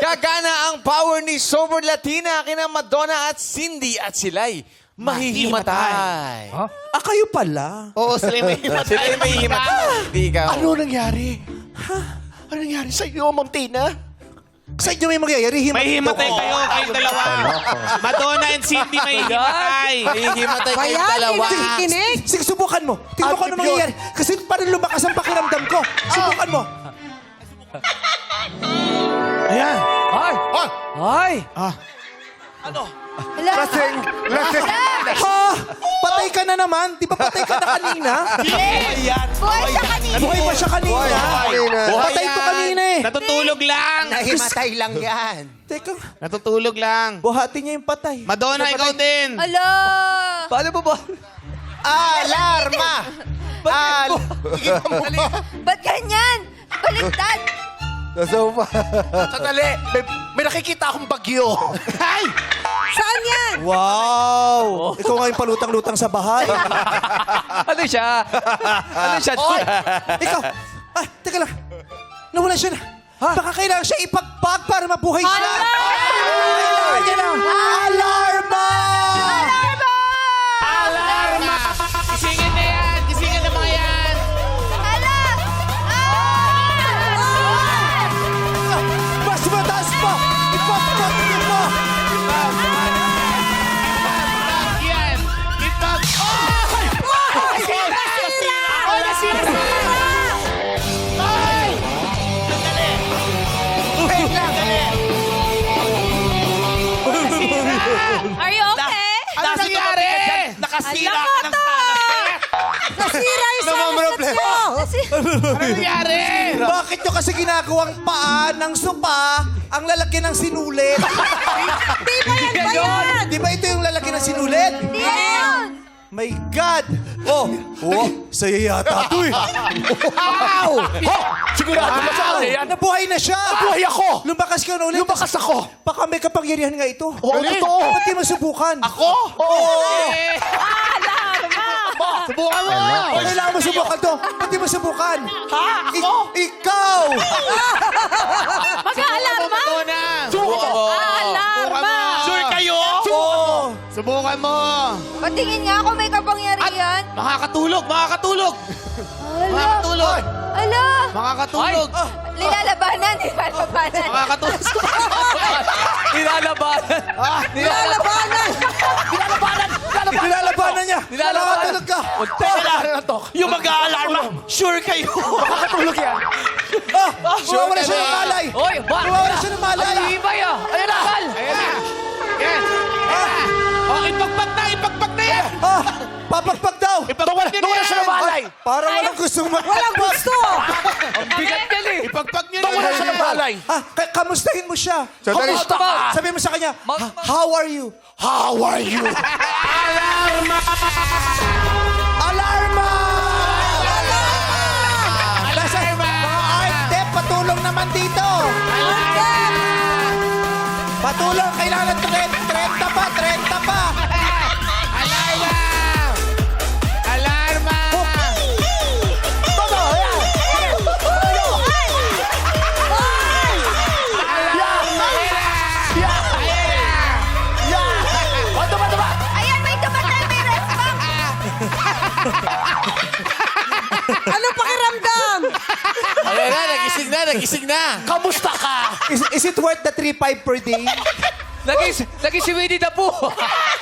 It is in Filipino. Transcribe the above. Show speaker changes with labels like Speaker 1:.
Speaker 1: Gagana ang power ni Sober Latina kina Madonna at Cindy at sila'y mahihimatay.
Speaker 2: Ah, kayo pala.
Speaker 3: Oo, sila yung mahihimatay.
Speaker 1: Sila yung mahihimatay. Hindi ikaw.
Speaker 3: Ano nangyari? Ha? Ano nangyari sa iyo, Ma'am Tina?
Speaker 2: Sa inyo may mangyayari,
Speaker 4: May himatay kayo, kayong dalawa. Madonna and Cindy may himatay.
Speaker 1: Mahihimatay kayong dalawa.
Speaker 2: Sige, subukan mo. Tingnan ko ano mangyayari. Kasi parang lumakas ang pakiramdam ko. Subukan mo.
Speaker 3: Ayan.
Speaker 2: Ay! Ay!
Speaker 3: Lasing.
Speaker 2: Ha? Patay ka na naman. Di ba patay ka na kanina?
Speaker 5: Buhay siya kanina.
Speaker 2: Buhay pa siya kanina. Patay to kanina eh.
Speaker 4: Natutulog lang.
Speaker 3: Nahimatay lang yan.
Speaker 2: Teka,
Speaker 4: Natutulog lang.
Speaker 2: buhati niya yung patay.
Speaker 4: Madonna, ikaw din.
Speaker 5: Ala!
Speaker 2: Paano ba ba?
Speaker 3: Alarma!
Speaker 5: Ba't ganyan? Baliktad!
Speaker 3: Sandali, may nakikita akong bagyo.
Speaker 4: Ay!
Speaker 5: Saan yan?
Speaker 2: Wow! Ikaw nga yung palutang-lutang sa bahay.
Speaker 6: Ano siya? Ano siya?
Speaker 3: Oy!
Speaker 2: Ikaw! Ah, teka lang. Nawala siya na. Baka kailangan siya ipagpag para mabuhay siya. Kailangan niya ng alarma!
Speaker 4: Alarma! Gisingin na yan! Gisingin na mga yan!
Speaker 5: Ala!
Speaker 2: Mas mataas pa! Ipagpag niyo mo!
Speaker 4: Yan! Kitpag! Oh! Nasira! Oh, nasira! Ay! Sandali! Wait lang! Nasira!
Speaker 5: Are you okay?
Speaker 4: Ano nangyari? Nakasira ka ng talas.
Speaker 5: Nasira yung salasat niyo!
Speaker 4: Ano nangyari?
Speaker 2: Bakit nyo kasi ginagawang paa ng sopa ang lalaki ng sinulit?
Speaker 5: Di ba yan ba yan?
Speaker 2: Di ba ito yung lalaki ng sinulit?
Speaker 5: Di yan!
Speaker 2: My God! Oh! Saya yata ito eh.
Speaker 3: Sigurado ba sa akin?
Speaker 2: Nabuhay na siya!
Speaker 3: Buhay ako!
Speaker 2: Lumakas ka na ulit.
Speaker 3: Lumakas ako!
Speaker 2: Baka may kapangyarihan nga ito.
Speaker 3: Oo, totoo.
Speaker 2: Ba't di mo subukan?
Speaker 3: Ako?
Speaker 2: Oo!
Speaker 4: Subukan mo!
Speaker 2: O, kailangan mo subukan to. Ba't di mo subukan?
Speaker 3: Ha? Ako?
Speaker 2: Ikaw!
Speaker 5: Mag-aalarma?
Speaker 4: Madonna!
Speaker 3: Subukan mo!
Speaker 5: Alarma!
Speaker 3: Sure kayo?
Speaker 2: Oo!
Speaker 4: Subukan mo!
Speaker 5: Patingin nga ako may kapangyarihan.
Speaker 4: Makakatulog! Makakatulog!
Speaker 5: Ala!
Speaker 4: Makakatulog!
Speaker 5: Ala!
Speaker 4: Makakatulog!
Speaker 5: Nilalabanan, nilalabanan.
Speaker 4: Makakatulog!
Speaker 6: Nilalabanan.
Speaker 2: Nilalabanan! Nilalabanan niya! Nakakatulog ka!
Speaker 3: Yung mag-aalarma, sure kayo? Makakatulog yan.
Speaker 2: Mawawala siya ng malay!
Speaker 6: Hoy,
Speaker 2: Mawawala siya ng malay!
Speaker 6: Alibay ah. Ayan na.
Speaker 4: Ayan na! Yan! Oh, ipagpag na! Ipagpag na yan!
Speaker 2: Papagpag daw!
Speaker 4: Ipagpag niyo na yan!
Speaker 3: siya ng malay.
Speaker 2: Parang walang gustong magpagpag. Walang gusto!
Speaker 6: Ang bigat yan eh.
Speaker 4: Ipagpag niyo na
Speaker 3: Wala
Speaker 4: yan!
Speaker 3: siya ng balay.
Speaker 2: Kamustahin mo siya.
Speaker 3: Kamusta ka?
Speaker 2: Sabi mo sa kanya, how are you?
Speaker 3: How are you?
Speaker 4: Alarma!
Speaker 2: Alarma! Nasa mga art dep, patulong naman dito. Patulong, kailangan 30 pa, 30 pa.
Speaker 4: Alarma! Alarma!
Speaker 5: Ayan, may tumatay, may response. Ano pakiramdam?
Speaker 1: Ayan na, nagising na, nagising na.
Speaker 3: Kamusta ka?
Speaker 2: Is it worth the 3.5 per day?
Speaker 6: Lagi si Winnie the Pooh.